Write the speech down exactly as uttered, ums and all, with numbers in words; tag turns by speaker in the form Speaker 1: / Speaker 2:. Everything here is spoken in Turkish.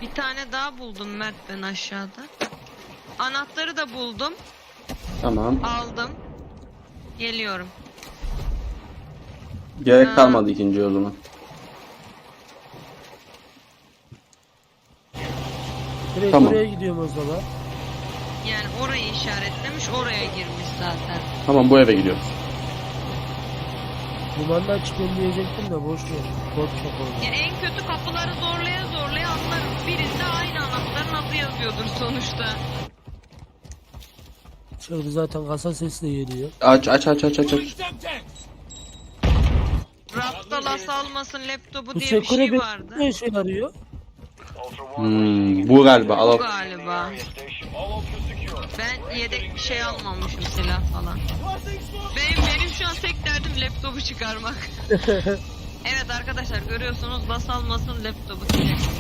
Speaker 1: Bir tane daha buldum Mert ben aşağıda. Anahtarı da buldum.
Speaker 2: Tamam.
Speaker 1: Aldım. Geliyorum.
Speaker 2: Gerek
Speaker 1: Ha.
Speaker 2: kalmadı ikinci o zaman.
Speaker 3: Direkt
Speaker 2: Tamam.
Speaker 3: oraya gidiyorum o zaman.
Speaker 1: Yani orayı işaretlemiş, oraya girmiş zaten.
Speaker 2: Tamam, bu eve gidiyoruz.
Speaker 3: Limandan çıkıyorum diyecektim de boş ver. Bot çok oldu.
Speaker 1: Ya en kötü kapıları zorlaya zorlaya anlarız. Birinde aynı anahtarın adı yazıyordur sonuçta.
Speaker 3: Şurada zaten kasa sesi de geliyor.
Speaker 2: Aç aç aç aç aç aç.
Speaker 1: Rafta las almasın laptopu
Speaker 3: Bu
Speaker 1: diye bir
Speaker 3: sekure
Speaker 1: şey
Speaker 3: bir
Speaker 1: vardı.
Speaker 3: ne işe yarıyor?
Speaker 2: Hmm, bu galiba. Al
Speaker 1: Bu
Speaker 2: al.
Speaker 1: galiba. Ben yedek bir şey almamışım, silah falan. Benim, benim şu an tek derdim laptopu çıkarmak. Evet arkadaşlar, görüyorsunuz, las almasın laptopu.